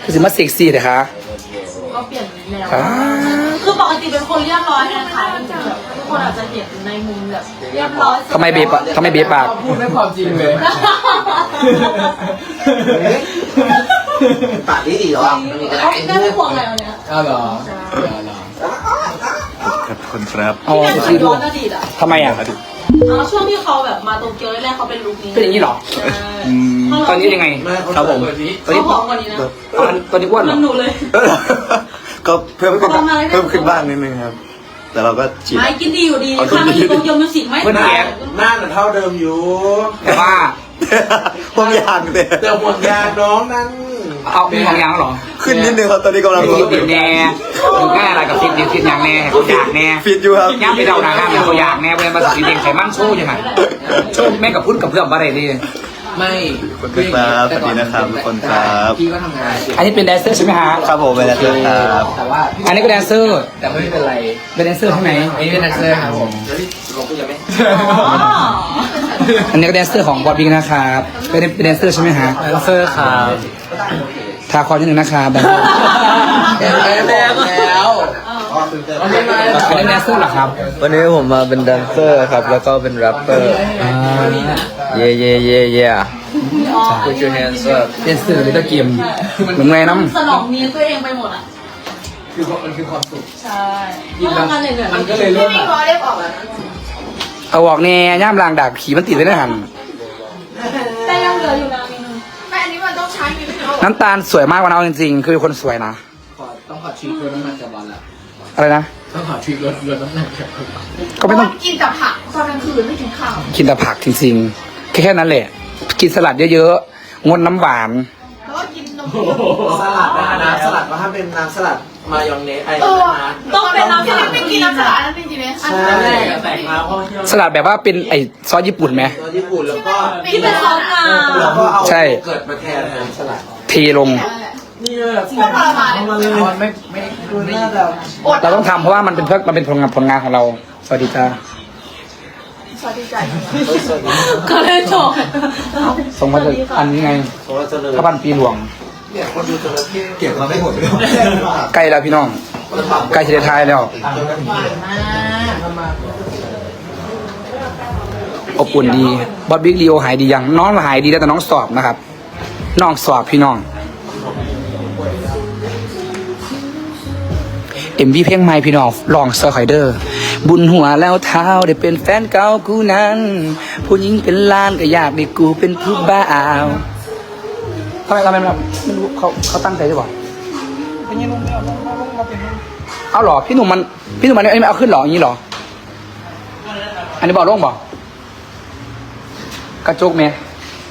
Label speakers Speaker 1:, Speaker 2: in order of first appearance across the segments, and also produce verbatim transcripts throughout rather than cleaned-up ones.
Speaker 1: คือสิมาเซ็กซี่เลยคะ
Speaker 2: ก็เปลี่ยนแนวคือปกติเป็นคนเรียบร้อยนะคะแบบทุกคนอาจจะเห็นในมุมแบบเรียบร้อย
Speaker 1: ทำไมเบปะทำไมเบปาก
Speaker 3: พูดไม่ความจริงเลย
Speaker 4: ปากดีดีหรอ
Speaker 2: เขาได้ไม่ห่วงอะไรวันเนี้ย
Speaker 3: อ้าวเหรอ
Speaker 5: ครับคนครับ
Speaker 1: เอา
Speaker 2: ที่
Speaker 1: ที่
Speaker 2: เป็น
Speaker 1: ดู
Speaker 2: ย้อนอดีตอ่ะ
Speaker 1: ทำไมอ่ะ
Speaker 2: อ๋อช่วงที่เขาแบบมาโตเกียวแรกๆเขาเป็นลุคนี้
Speaker 1: เป็นอย่างนี้เหรอ
Speaker 2: ใช่
Speaker 1: ตอนนี้ยังไง
Speaker 4: ครับผม
Speaker 1: ตอน
Speaker 2: เขา
Speaker 1: นี้
Speaker 2: ผอมกว่านี้นะ
Speaker 1: ตอนนี้อ้วนเหร
Speaker 2: มั
Speaker 1: อน
Speaker 2: หนูเลย
Speaker 5: ก็เพิ่ม
Speaker 2: ประมาณ
Speaker 5: เพิ่มขึ้นบ้างนิดนึงครับ แต่เราก็ฉีด
Speaker 2: ไม่กินดีอยู่ดีข้างในโตเกียวมิวสิกไม่
Speaker 4: หน้าหน้าเท่าเดิมอยู่
Speaker 1: แต่ว่า
Speaker 5: พวกยางเตะ
Speaker 4: เดี๋ยวหมดยาน้องนั้น
Speaker 1: เอามีของยางเหรอ
Speaker 5: ขึ้นนิดนึงครับตอนนี้กำลัง
Speaker 1: ไอ้ฟิตดิบแน่ดูง่ายอะไรกับฟิตดิบฟิตยางแน่เขาอยากแน่
Speaker 5: ฟิตอยู่ครับ
Speaker 1: ย่างไปเดาหนาห้ามเขาอยากแน่เวลามาสีแดงไขมันโชว์ยังไงโชว์แม่กับพุ่นกับเพื่อนอะไรดี
Speaker 3: ไม่
Speaker 5: คนครับสวัสดีนะครับทุกคนครับ
Speaker 3: พี่ก็ทำงาน
Speaker 1: อันนี้เป็นแดนเซอร์ใช่ไหมฮะ
Speaker 5: ครับผมเป็นอาจารย์ครับ
Speaker 3: แต่ว่า
Speaker 1: อันนี้ก็แดนเซอร์
Speaker 3: แต่ไม่เป็นไร
Speaker 1: เป็นแดนเซอร์ใช่ไหม
Speaker 3: อันนี้เป็นนักแสดงครับผม
Speaker 2: อ๋อ
Speaker 1: อันนี้ก็แดนเซอร์ของบอดบิ๊กนะครับเป็นเป็นแดนเซอร์ใช่ไหมฮะ
Speaker 3: แดนเซอร์ครับ
Speaker 1: ทาคอนิดนึงนะครับแบบ
Speaker 3: แล้วแล้ว
Speaker 1: อันนี้แดนเซอร์เหรอครับ
Speaker 6: วันนี้ผมมาเป็นแดนเซอร์ครับ แล้วก็เป็นแรปเปอร์
Speaker 1: อ่า
Speaker 6: เย่เย่เย่เย่ Put your hands up
Speaker 1: แดนเซอร์ลิตเติ้ลเกมเหมือนไงน้ำ
Speaker 2: สนองเมียตัวเองไปหมดอ่ะ
Speaker 3: คือมันคือความสุข
Speaker 2: ใช่เพราะทำงานเหนื่อยๆ
Speaker 3: มันก็เลยเริ่มแบบ
Speaker 1: เอาออกแน่ย่ามลางดากขี่มันติดไว้ในหัน
Speaker 2: แต่ยังเหลืออยู่นะเมนู
Speaker 7: แต่อันนี้มันต้องใช้มีไม่เอา
Speaker 1: น้ำตาลสวยมากวันเอาจริงๆ คือเป็นคนสวยนะ
Speaker 3: ขอต้องขอทริปลดน้ำหนักจากบอลละ
Speaker 1: อะไรนะ
Speaker 3: ต้องขอทริปลดลดน้ำหนักจาก
Speaker 1: ก็ไม่ต้อง
Speaker 7: กินแต่ผักตอนกลางคืนไม่กินข้าว
Speaker 1: กินแต่ผักจริงๆ แค่แค่นั้นแหละ กินสลัดเยอะๆ งดน้ำหวาน
Speaker 7: แล้วก็กินนม
Speaker 4: สลัดนะน้ำสลัดก็ห้ามเป็นน้ำสลัดมายองเนสไอ้
Speaker 7: เออ
Speaker 4: นะ
Speaker 2: ต้องเป็นน้ำสลัด
Speaker 7: ไม่กินน้ำสลัดนั่นไม่กินเลยอัน
Speaker 4: ใช่
Speaker 7: นั้น
Speaker 4: แต่งมาเพราะที่
Speaker 1: สลัดแบบว่าเป็นไอซอสญี่ปุ่นไหม
Speaker 4: ตัวญี่ปุ่นแล้วก็
Speaker 2: ที่เป็นซอสงา
Speaker 4: แล้วก็เอา
Speaker 1: ใช่
Speaker 4: เกิดมาแทนน้ำสลัด
Speaker 1: เทลง
Speaker 4: นี่แบบ
Speaker 7: โคตรทรมานเลย
Speaker 4: มันเลย
Speaker 3: บอลไม่ไม่
Speaker 4: ดูหน้าแบบ
Speaker 1: เราต้องทำเพราะว่ามันเป็นเพื่อมันเป็นผลงานผลงานของเรา สวัสดีจ้า
Speaker 7: สวัสดีใจ
Speaker 2: ก็เลยจบ
Speaker 1: ส่งมาจากอันนี้ไง
Speaker 4: โซลาเจริญ
Speaker 1: พระพันปีหลวง
Speaker 4: เนี่ยคนดูจระเข้
Speaker 5: เก็บมาไม่หมดเลย
Speaker 1: ใกล้แล้วพี่น้อง ใกล้จะได้ทายแล้ว อบอุ่นดีบอบบิ๊กลีโอหายดียังน้องหายดีแล้วแต่น้องสอบนะครับ น้องสอบพี่น้อง เอ็มวีเพลงใหม่พี่น้องลองเซอร์ไคเดอร์ บุญหัวแล้วเท้าได้เป็นแฟนเก่ากูนั้น ผู้หญิงเป็นล้านก็อยากได้กูเป็นผู้บ่าวทำไมทำไมไม่รู้เขาเขาตั้งใจหรือเปล่าเอาเหรอพี่หนุ่มมันพี่หนุ่มมันอันนี้ไม่เอาขึ้นเหรออย่างนี้เหรอ อันนี้บอกลงบอกกระจกเมย์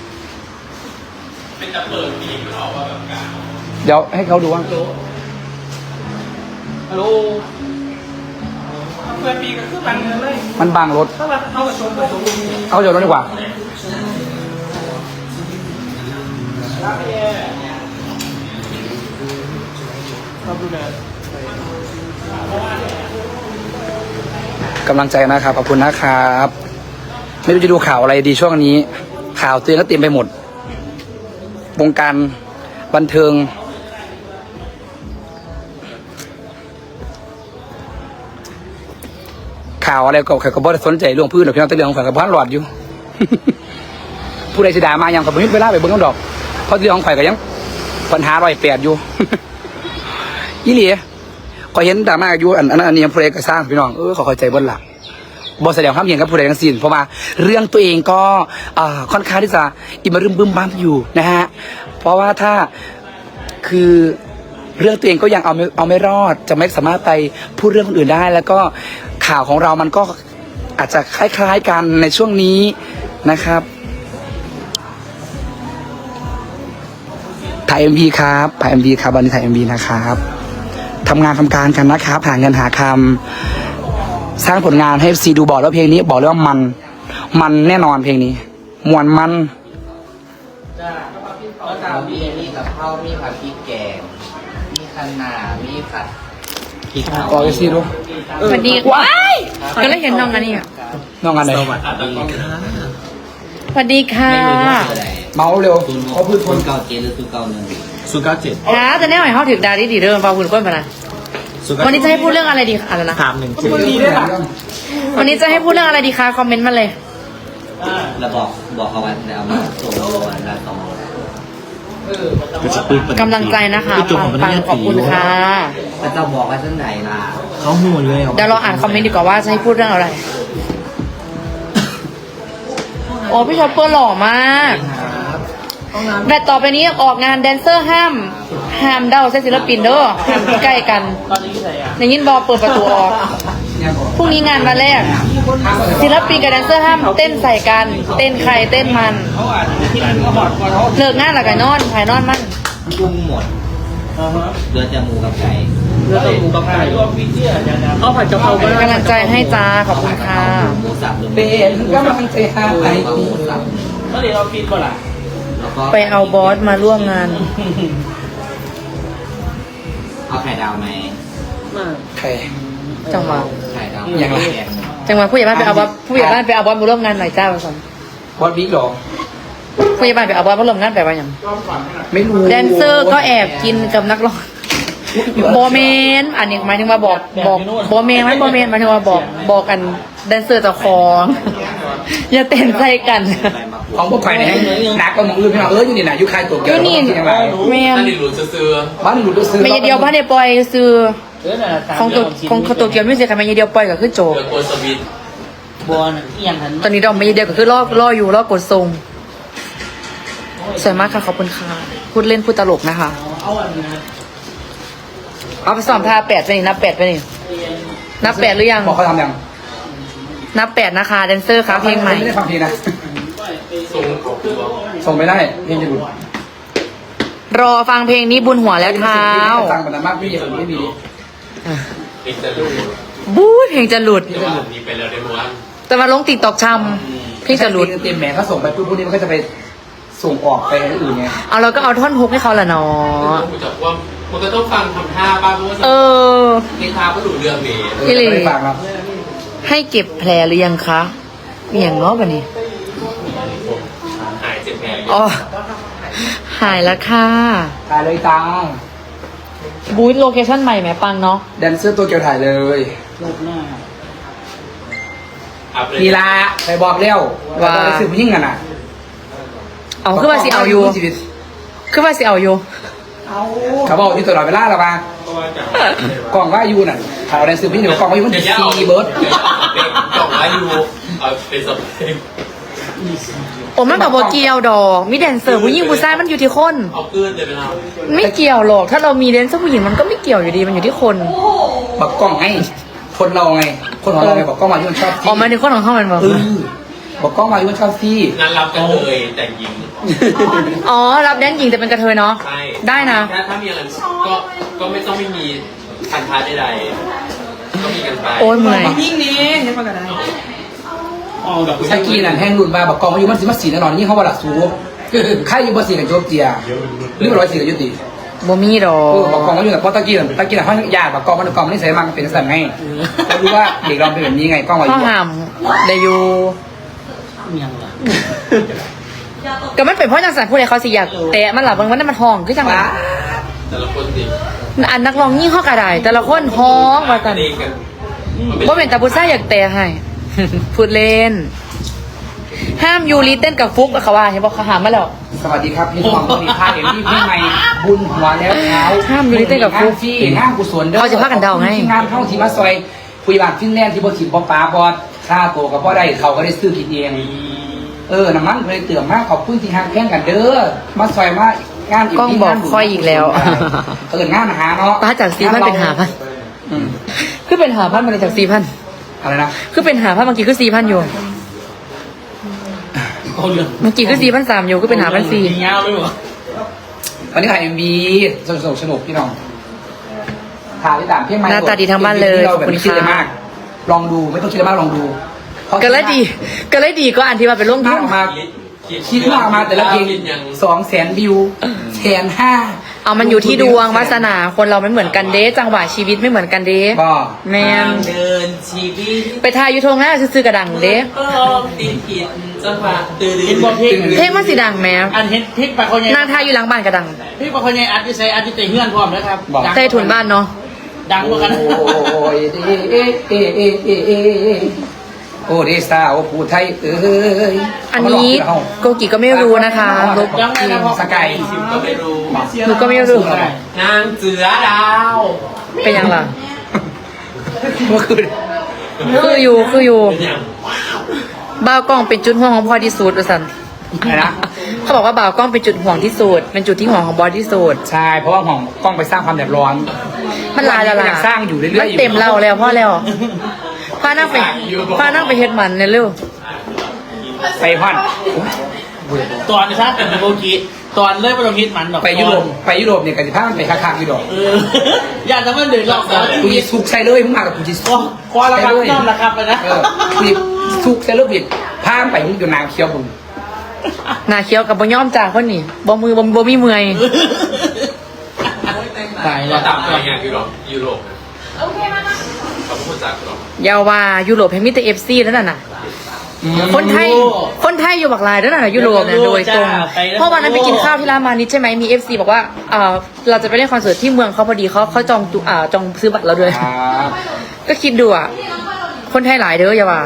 Speaker 1: เดี๋ยวให้เขาดูว่า
Speaker 3: ฮัลโหลเพื่อนปีก็คือมันเลย
Speaker 1: มันบังรถ
Speaker 3: ถ้าเราเข้ากับชมกับชม
Speaker 1: เอาเดี๋ยวรถดีกว่า กำลังใจนะครับ ขอบคุณนะครับ ไม่รู้จะดูข่าวอะไรดีช่วงนี้ ข่าวตัวเองก็เต็มไปหมด วงการบันเทิง ข่าวอะไรก็ใครก็บ่ได้สนใจเรื่องพื้นหรอกพี่น้องแต่เรื่องของข่อยกับบ้านหลอดอยู่ ผู้ใดสิด่ามายังกับผมไม่เวลาไปเบิ่งน้ำดอก เพราะเรื่องของข่อยก็ยังปัญหาร้อยแปดอยู่ อีหลีก็เห็นดราม่าอยู่อันอันนั้นอันนี้ผู้ใดก็สร้างพี่น้องเออขอเข้าใจเบิ่งล่ะบ่แสดงความเห็นกับผู้ใดทั้งสิ้นเพราะว่าเรื่องตัวเองก็อ่าค่อนข้างที่จะอิมรึมบึมบั้มอยู่นะฮะเพราะว่าถ้าคือเรื่องตัวเองก็ยังเอาไม่เอาไม่รอด จะไม่สามารถไปพูดเรื่องคนอื่นได้ แล้วก็ข่าวของเรามันก็อาจจะคล้ายๆกันในช่วงนี้นะครับถ่าย เอ็ม วี ครับถ่าย เอ็ม วี ครับวันนี้ถ่าย เอ็ม วี นะครับทำงานทำการกันนะครับหาเงินหาคำสร้างผลงานให้ซีดูบอกแล้วเพลงนี้บอกเลยว่ามันมันแน่นอนเพลงนี้มวนมัน
Speaker 3: ก็ตามมีมีกับข้าวมีผัดพริกแกงมีคะน้ามีผัด
Speaker 1: กอซีดู
Speaker 7: สวัสดีว้ายก็เลยเห็นน้องกันนี่
Speaker 1: น้องอันไหน
Speaker 7: สวัสดีค่ะ
Speaker 1: เมาเร็วเขาพื้นทน
Speaker 3: เก่าเจหรือตัวเก่าหนึ่ง
Speaker 5: ศูนย์เก้าเจ็ด
Speaker 7: ฮะแต่แน่หน่อยเขาถึงดาดีดีเดิมฟังคุณก้นไปนะวันนี้จะให้พูดเรื่องอะไรดีคะอะไรนะ
Speaker 5: สามหนึ่งเจ็ด
Speaker 1: ดีด้วยล่ะ
Speaker 7: วันนี้จะให้พูดเรื่องอะไรดีคะคอมเมนต์มาเลย
Speaker 3: แล้วบอกบอกเขาวันแล้วมาส่งวันละสอง
Speaker 5: ก็จะพูด
Speaker 7: กำลังใจนะคะปังปังขอบคุณค่ะ
Speaker 3: พระเจ้าบอกว่าที่ไหนล่ะ
Speaker 5: เขาหูเลย
Speaker 7: เดี๋ยวเราอ่านคอมเมนต์ดีกว่าว่าจะให้พูดเรื่องอะไรโอ้พี่ชอปเปอร์หล่อมากแบตต่อไปนี้ออกงานแดนเซอร์ห้ามห้ามเด้าใช้ศิลปินเด้อห้ามใกล้กันในยินบอเปิดประตูออกพรุ่งนี้งานวันแรกศิลปินกับแดนเซอร์ห้ามเต้นใส่กัน เต้นใครเต้นมันเลิกงานหลักไก่นอนภายนอนมัน
Speaker 3: กุ้งหมดเรือจะหมูกับไก่
Speaker 7: เอาผัดกะเพรากำลังใจให้จ้าขอบคุณค่ะ
Speaker 3: หมูสับหรือ
Speaker 1: เป็นกำลังใจหาไป
Speaker 3: หมูสับ
Speaker 8: ก็เลยเราฟิตก่อนล่ะ
Speaker 3: แล้วก็
Speaker 7: ไปเอาบอสมาร่วมงาน
Speaker 3: เอาไข่ดาวไหม
Speaker 1: ใคร
Speaker 7: จังหวะ
Speaker 3: ไข่ดาว
Speaker 1: อย่างไร
Speaker 7: จังหวะผู้ใหญ่บ้านไปเอาบอสผู้ใหญ่บ้านไปเอาบอสมาร่วมงานหน่อยจ้าผสม
Speaker 1: บอสบิ๊กหรอ
Speaker 7: ผู้ใหญ่บ้านไปเอาบอสมาร่วมงานไปว่าอย่าง
Speaker 1: ไม่รู้
Speaker 7: แดนเซอร์ก็แอบกินกับนักร้องโบเมนอันนี้หมายถึงว่าบอกบอกโบเมนไหมโบเมนหมายถึงว่าบอกบอกกันแดนเซอร์เจ้าของ อย่าเต้นใส่กัน
Speaker 1: ของพวกใครเนี่ยนักก็มองอื่นพี่น้องเอออยู่นี่นะอยู่ใครตัว
Speaker 7: อ
Speaker 1: เกี่ยว
Speaker 7: ยู่นี่
Speaker 1: ยังไง
Speaker 7: แมน
Speaker 1: บ้านหลุดซื้อ
Speaker 7: ไม่เดียวบ้านเดียวปล่อยซื้อ
Speaker 8: เออน่ะตาม
Speaker 7: ของตัวของของตัวเกียวมิวสิกค่ะไม่เดียวปล่อยก็คือโจบ
Speaker 8: บอลเอียงหัน
Speaker 7: ตอนนี้ดอกไม่เดียวก็คือล่อล่ออยู่ล่อกดทรงสวยมากค่ะขอบคุณค่ะพูดเล่นพูดตลกนะคะ
Speaker 8: เอาอันนี้นะ
Speaker 7: เอาไปสอบท่าแปดไปนี่นับแปดไปนี่นับแปดหรือยัง
Speaker 1: บอกเขาทำยัง
Speaker 7: นับแปดนะคะแดนเซอร์ค่ะเพลงใหม่
Speaker 1: ไม่ได้ฟังเพลงนะส่งไม่ได้เพลงจะหลุด
Speaker 7: รอฟังเพลงนี้บุญหัวแล้วเท้า
Speaker 1: ฟังมันมากพี่ไม่มี
Speaker 7: บู๊ยเพลงจะหลุดแต่มาลงติ๊กตอกชำเพลงจะหลุด
Speaker 1: เต็มแหมเขาส่งไปปุ๊บพวกนี้มันก็จะไปส่งออกไปอื่นไง
Speaker 7: เอาเราก็เอาท่อนฮุกให้เขาละเนาะ
Speaker 9: มันก็ต้องฟังทำท่าบ้างเพราะว่า
Speaker 7: เออ
Speaker 9: ในท่าก็ดูเรื่องนี้
Speaker 7: พี่หลี
Speaker 1: ไม่ฟังครับ
Speaker 7: ให้เก็บแผลหรือยังคะมีอย่างเนาะแบบนี้
Speaker 9: หายเจ็บแผล
Speaker 7: อ๋อหายแล้วค่ะ
Speaker 1: ถ่ายเลยตัง
Speaker 7: บูธโลเคชั่นใหม่แหมปังเนาะ
Speaker 1: แดนเซอร์ตัวเกี่ยวถ่ายเลย
Speaker 8: ลูกหน้า
Speaker 9: อัพเลย
Speaker 1: นีลาไปบอกเร็วว่าไปสืบยิ่งกันอ่ะ
Speaker 7: เอาคือว่าสิเอาอยู่คือว่าสิเอาอยู่
Speaker 1: เขาบอกอยู่ตลอดเวลาหรอปะกล่องว่าอยู่น่ะข่าวแดนสืบยิ่งเดี๋ยวกล่องว่าอยู่มันจะซีเบิร์ด
Speaker 9: กล่องอายุเอาเป็นสเปค
Speaker 7: โอ้มันแบบว่าเกี่ยวดอกมีแดนเซอร์ผู้หญิงผู้ชายมันอยู่ที่คน
Speaker 9: เอาเกินเลยไหมครับ
Speaker 7: ไม่เกี่ยวหรอกถ้าเรามีแดนเซอร์ผู้หญิงมันก็ไม่เกี่ยวอยู่ดีมันอยู่ที่คน
Speaker 1: บอกกล้องไงคนเราไงคนของเราไงบอกกล้องมาอยู่มันชอบ
Speaker 7: ออกมาในคนของเขามันบอก
Speaker 1: เออบอกกล้องมาอยู่มันชอบซี
Speaker 9: งานรับกันเลยแต่งหญิง
Speaker 7: อ๋อรับแดนหญิงแต่เป็นกระเทยเนาะ
Speaker 9: ใช่
Speaker 7: ได้นะ
Speaker 9: ถ้าถ้ามีอะไรก็ก็ไม่ต้องไม่มีพันธะใดๆก็มีกันไป
Speaker 7: โอ้ยเมื่อย
Speaker 8: ยิ่งนี้เห็นปะกันได้อ๋อแบบ
Speaker 1: สกีนั่นแห้งรุ่นมาบอกกล้องมาอยู่มันสิมาสีแน่นอนนี่เขาว่าหลักสูงใครอยู่บนสีกับโจบเจียหรือร้อยสีกับยุติ
Speaker 7: บ่มีดอ
Speaker 1: เออก บอกกล้องมาอยู่กับเพราะตะกี้น่ะตะกี้น่ะเขาอยากบอกกล้องมันกล้องมันนี่ใส่มันเป็นสั่นไงเขารู้ว่าเด็กเราเป็นแบบนี้ไงกล้องมาอ
Speaker 7: ข้อยู่ หามได้อยู่
Speaker 8: เอียงล่ะ
Speaker 7: ก็มันเป็นเพราะจังสันผู้ใดเขาสิอยากแต่มันหลับบางวันนั้นมันห้องคือจังหวะ
Speaker 9: แต่ละคนสิ
Speaker 7: อันนักร้องยิ่งเข้ากระไดแต่ละคนห้องว่ากัน
Speaker 9: เองกัน
Speaker 7: ว่าเป็นตาบุซ่าอยากแต่ให้ พูดเล่น ห้ามยูรีเต้นกับฟุกเขาว่าเห็นบอกเขาหามมาแล้ว
Speaker 1: สวัสดีครับพี่น้องวันนี้พาเอ็มพี่พี่ใหม่บุญหัวแล้วเท้า
Speaker 7: ห้ามอยู่ในเต้นกับครู
Speaker 1: ฟรีงานกุศลเด้อ
Speaker 7: เขาจะพากันเดาไง
Speaker 1: งานเข้าทีมาซอยคุยบาทฟินแลนด์ที่บ่ถิ่มบ่ป้าบอดค่าตัวกับบ่ได้เขาก็ได้ซื้อกินเองเออน้ำมันเลยเตื่อมมากขอบคุณที่ฮักแข่งกันเด้อมาซอยมางาน
Speaker 7: กล้องบอกค่อยอีกแล้ว
Speaker 1: เอองานหาเนาะ
Speaker 7: ป้าจากสี่พันเป็นหาพัน
Speaker 1: อืม
Speaker 7: คือเป็นหาพันมาเลยจากสี่พัน
Speaker 1: อะไรนะ
Speaker 7: คือเป็นหาพันเมื่อกี้คือสี่พันอยู่
Speaker 8: เอาเรื่อง
Speaker 7: เมื่อกี้คือสี่พันสามอยู่คือเป็นหาพันสี่
Speaker 8: ยาวเลยเหรอ
Speaker 1: วันนี้ถ่ายเอ็มบีสนุกสนุกพี่น้องถ่ายที่ต่างเพียงไม้
Speaker 7: หน้าตาดีทั้งบ้านเลย
Speaker 1: เรา
Speaker 7: ขอบ
Speaker 1: แบบ
Speaker 7: คุณ
Speaker 1: ไม่คิดอะไร
Speaker 7: ค่ะ
Speaker 1: มาก ลองดูไม่ต้องคิดอะไรมากลองดู
Speaker 7: ก็เลยดีก็เลยดีก็อันที่ว่าเป็นร่วม
Speaker 1: มา
Speaker 7: ทุ
Speaker 1: ก
Speaker 7: น
Speaker 1: ออกมาคิดมากออกมาแต่ละเพลง
Speaker 9: ยัง
Speaker 1: สองแสนวิวแสนห้า
Speaker 7: เอามันอยู่ที่ดวงวาสนาคนเราไม่เหมือนกันเด้จังหวะชีวิตไม่เหมือนกันเด้
Speaker 1: ก็
Speaker 7: แมน
Speaker 3: เดินชีวิต
Speaker 7: ไปทายอยู่ทงหน้าซื้อๆกระดังเด้
Speaker 3: ก็ติดผิดจังหวะตื่น
Speaker 8: เห็นบอกเพลง
Speaker 7: เพลงมันสีดังแม่
Speaker 8: อันเห็นเพลงปากคนใหญ่
Speaker 7: นางทายอยู่หลังบ้านกระดัง
Speaker 8: เพลงปากคนใหญ่อัดที่ใส่อัดที่เตะเฮือนพร้อมนะครับดัง
Speaker 7: ใต้ถุนบ้านเนาะ
Speaker 8: ดังกว่ากัน
Speaker 1: โอ้ยเอ๊ะเอ๊ะเอ๊ะเอ๊ะเอ๊ะโอ้เดสาวผู้ไทยเอ้ย
Speaker 7: อันนี้โกกิก็ไม่รู้นะคะลบ
Speaker 8: ยังไงนะพ่อ
Speaker 1: สกาย
Speaker 9: ก็ไม่รู้
Speaker 7: หนูก็ไม่รู้
Speaker 9: นางเสือดาว
Speaker 7: เป็นยังล่ะ
Speaker 1: เมื่อคืน
Speaker 7: คืออยู่คืออยู่บ่าวกล้องเป็นจุดห่วงของพ่อที่สุดว่าสัน
Speaker 1: อะไรนะ
Speaker 7: เขาบอกว่าบ่าวกล้องเป็นจุดห่วงที่สุดเป็นจุดที่ห่วงของบอสที่สุด
Speaker 1: ใช่เพราะว่าของกล้องไปสร้างความเดือดร้อน
Speaker 7: มันลายละ
Speaker 1: มัน
Speaker 7: ลา
Speaker 1: ยังสร้างอยู่เรื่อยๆ
Speaker 7: มันเต็มเราแล้วพ่อแล้วพานั่งไปพานั่งไปเฮ็ดมันเนี่ยเร็ว
Speaker 1: ไปพ่อน
Speaker 8: ตอนนะครับเป็นโบกีตอนเริ่มไปลงฮิตมันดอก
Speaker 1: ไปยุโรปไปยุโรปเนี่ยกันสิพามันไปค้างๆอยู่ดอก
Speaker 8: เอออยากจะมันเดือดร้อนแล้ว
Speaker 1: กูจะสุกใส่เลยมึงมากับกูจะสุก
Speaker 8: คอระครับน้อมระครับไปนะ
Speaker 1: เออกูจะสุกใส่เลยบิดพามันไปมึงอยู่นางเคี้ยวบุญ
Speaker 7: หน้าเคี้ยวกับบ่ย่อมจ่าคนนี่บ่มือบ่บ่มีเมื่อย
Speaker 8: ตาย
Speaker 9: ก็
Speaker 8: แล้ว
Speaker 9: ตามไปงานยุโรปยุโรปเขาพูดจากหรอก
Speaker 7: อยาวว่ายุโรปให้มีแต่ เอฟ ซี แล้วนั่นน่ะ คนไทย คนไทยอยู่บักหลายแล้วน่ะยุโรปเนี่ยโดยตรง เพราะวันนั้นไปกินข้าวที่ร้านมานิดใช่ไหมมี เอฟ ซี บอกว่าเอ่อเราจะไปเล่นคอนเสิร์ตที่เมืองเขาพอดีเขาเขาจองตั๋วอ่าจองซื้อบัตรเราด้วย
Speaker 1: ครับ
Speaker 7: ก็คิดดูอ่ะ คนไทยหลายเด้ออย่าว่า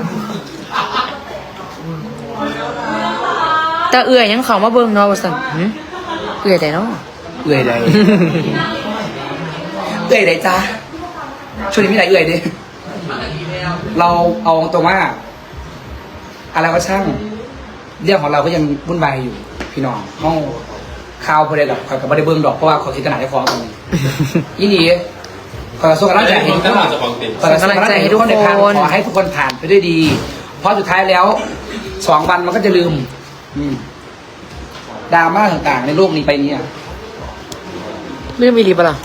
Speaker 7: แต่เอื่อยยังเขามาเบิ่งเนาะว่าซั่นหึเอื่อยแต่เนาะ
Speaker 1: เอื่อยใดเอื่อยใดจ้าช่วงนี้มีอะไรเอื่อยดิเราเอาตรงว่าอะไรก็ช่างเรื่องของเราก็ยังวุ่นวายอยู่ พี่น้องห้องข่าวพอดีกับกับบริเบิงดอกเพราะว่าขอคิดขนาดได้ฟ้องกันยี่นี่ขอส่งกำลังใจให้ทุกคนขอส่งกำลังใจให้ทุกคนในทางขอให้ทุกคนผ่านไปด้วยดี เพราะสุดท้ายแล้วสองวันมันก็จะลืมอืมดราม่าต่างๆในโลกนี้ไปเนี่ย
Speaker 7: ไม่มีรีบล่ะ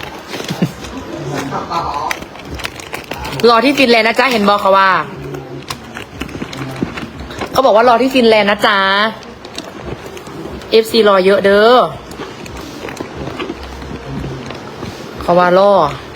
Speaker 7: รอที่ฟินแลนด์นะจ๊ะเห็นบอกเขาว่า เขาบอกว่ารอที่ฟินแลนด์นะจ๊ะ เอฟ ซี รอเยอะเด้อเขาว่ารอ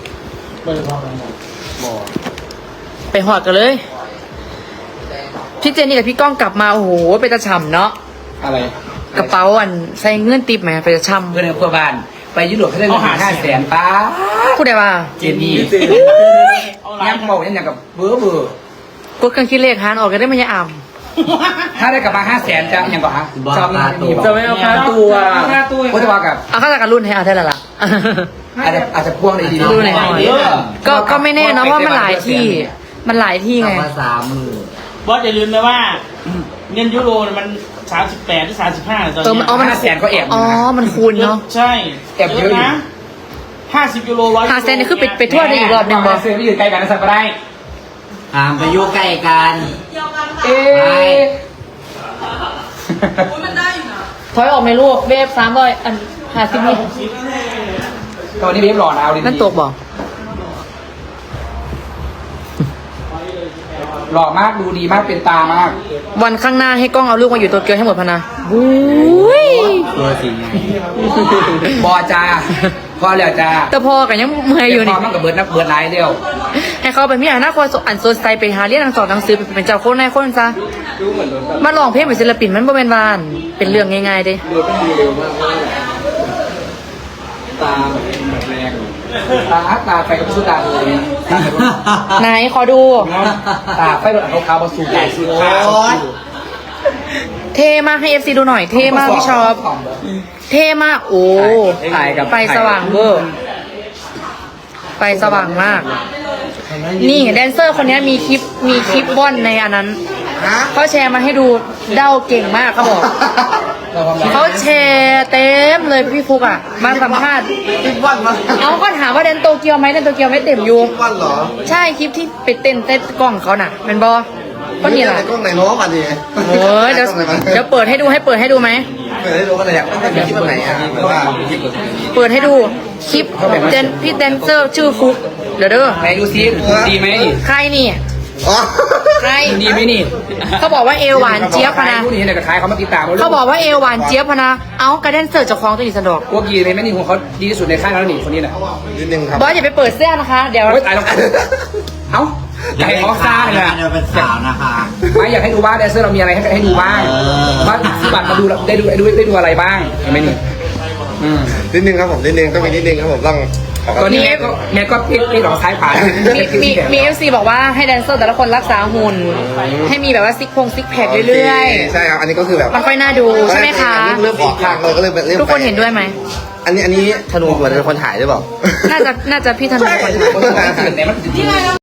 Speaker 7: ไปหอดกันเลย พี่เจนนี่กับพี่ก้องกลับมา โอ้โหไปตะฉ่ำเนาะ
Speaker 1: อะไร
Speaker 7: กระเป๋าอันใส่เงื่อนติบไหมไปตะฉ่
Speaker 1: เพื่อนในเพื่อนบ้านไปยุโรปเขาได้เงินห้าแสนป้า
Speaker 7: ำพูดได้ว่า
Speaker 1: เจนนี่ยังบอกยังอย่างกับเบอร์เบอร์
Speaker 7: กดเครื่องคิดเลขหารออกก็ได้ไม่ยอ่ำ
Speaker 1: ถ้าได้กลับมาห้าแสนจะอย่างก่อนฮะจะมีมีบอก
Speaker 7: จะไม่เอาค่าตัว
Speaker 8: ค่าตัว
Speaker 1: ก็จะว่ากับ
Speaker 7: เอาข้าจากการรุ่นให้เอาได้ละล่ะ
Speaker 1: อาจจะอาจจะพ่วงได้ดี
Speaker 7: ดูหน่อย ก็ก็ไม่แน่เนาะเพราะมันหลายที่ มันหลายที่ไง
Speaker 3: มาสามมือบ
Speaker 8: อสอย่าลืมนะว่าเงินยูโรมันสามสิบแปดหรือสามสิบห้าตอน
Speaker 7: เออมัน
Speaker 8: นี้
Speaker 7: อ๋อมัน
Speaker 1: ห้าแสนก็แอบ
Speaker 7: อ๋อ มันคูณเนาะ
Speaker 8: ใช่
Speaker 1: แอบเยอะอยู่
Speaker 8: นะห้าสิบยูโรร้อย
Speaker 7: หาเซนนี่คือไปไปทั่วได้อีกรอบหนึ่งบอ
Speaker 1: เสื้อไม่ยืนใกล้กันนะสักก็ได้
Speaker 3: หามไปอยู่ใกล้กัน
Speaker 1: เอ๊ะ
Speaker 7: ถอยออกในลูกเวฟสามร้อยอันหาสิบนี่
Speaker 1: ตอนนี้เว็บหล่อนะเอาดีๆ
Speaker 7: นั่นตกบอก
Speaker 1: หล่อมากดูดีมากเป็นตามาก
Speaker 7: วันข้างหน้าให้กล้องเอาลูกมาอยู่ตัวเกียวให้หมดพะนะอุ้ย
Speaker 3: ตัวสีไง
Speaker 1: บอจ้าพอแล้วจ้า
Speaker 7: แต่พอกันยังเมื่อยอยู่
Speaker 1: พ
Speaker 7: นี่
Speaker 1: อมันกับเบิร์ดนักเบิร์ดไลน์เดียว
Speaker 7: ให้เขาไปมีอนาคตอันโซนไซไปหาเรียนหนังสอนหนังสือเป็นเจ้าคนนายคนซะมาลองเพลงเป็นศิลปินมันบ่เป็นวานเป็นเรื่องง่ายๆเด้
Speaker 1: ตาแบบแรงตาตาไฟกับสู้ตาเลย
Speaker 7: ไหนขอดู
Speaker 1: ตาไฟแบบขาวๆมาสู่ใหญ่สู่ขาว
Speaker 7: เทมากให้เอฟซีดูหน่อย เทมากพี่ชอบ เทมากโอ้
Speaker 1: ถ่ายกับ
Speaker 7: ไฟสว่างเวอร์ไฟสว่างมาก นี่แดนเซอร์คนนี้มีคลิปมีคลิปว่อนในอันนั้นเขาแชร์มาให้ดูเด้าเก่งมากเขาบอกเขาแชร์เต็มเลยพี่ฟุกอ่ะ มาสัมภาษณ์
Speaker 4: คิดวันมา
Speaker 7: เอาก็ถามว่าแดนโตเกียวไหมแดนโตเกียวไม่เต็มอยู่
Speaker 4: วันเหรอ
Speaker 7: ใช่คลิปที่ไปเต้นเต้นกล้องเขาน่ะเป็นบอก็นี่แหละ
Speaker 4: ในกล้องไหนน้องมาดิ
Speaker 7: โอ้ยเดี๋ยวเดี๋ยวเปิดให้ดูให้เปิดให้ดูไหม
Speaker 4: เปิดให้ดูกันเลยอยากได้คลิปแบบไหนอ่ะหรือว่าคลิป
Speaker 7: เปิดให้ดูคลิปเดนพี่แดนเซอร์ชื่อฟุกเดี๋ยวเด้อ
Speaker 1: ไหนดูซิดีไหม
Speaker 7: ใครนี่
Speaker 6: อ๋อ
Speaker 7: ใคร
Speaker 1: ดีไหมนี่
Speaker 7: เขาบอกว่าเอวหวานเจี๊ยบพะนะ
Speaker 1: ผู้นี้เนี่ยกระขายเขามาติดตาม
Speaker 7: เขาบอกว่าเอวหวานเจี๊ยบพะนะ เอ้ากระเด็นเสิร์ฟจากคลองตัวนี้สะดวก
Speaker 1: พวกกีเลยไหมนี่ของเขาดีที่สุดในค่ายแล้วนี่คนนี้น่ะ
Speaker 6: นิดนึงครับ
Speaker 7: บอสอย่าไปเปิดเสื้อนะคะ เดี๋ยว
Speaker 1: โอ้ยตายแล้วเอ้าอยากให้เขาซ่าเลยนะ
Speaker 4: เดี๋ยวเป็นสาวนะคะ
Speaker 1: ไม่อยากให้ดูว่าแดนเซอร์เรามีอะไรให้ให้ดูบ้างว่าซื้อบัตรมาดูได้ดูได้ดูได้ดูอะไรบ้างเห็นไหมนี่อืม
Speaker 6: นิดนึงครับผมนิดนึงต้องมีนิดนึงครับผมต้องขอ
Speaker 1: ตอนนี้แม่ก็แม่ก็พลิกพลิกหลอกซ้ายผ่าน
Speaker 7: มีมีมีเอฟซีบอกว่าให้แดนเซอร์แต่ละคนรักษาหุ่น ให้มีแบบว่าซิกพงซิกแพคเรื่อย
Speaker 6: ใช่ครับอันนี้ก็คือแบบ
Speaker 7: ๆ มันค่อยน่าดูใช่ไหมคะ
Speaker 6: อันนี้เริ่มออกทางเลยก็เลยเริ่ม
Speaker 7: ทุกคนเห็นด้วยไหม
Speaker 6: อันนี้อันนี้ธนูเหมือนเป็นคนถ่ายหรือเปล่า
Speaker 7: น่าจะน่าจะพี่ธนูคนถ่าย
Speaker 1: คนสมัยตื่นเนี่ยมัน
Speaker 2: ที่ไรเรา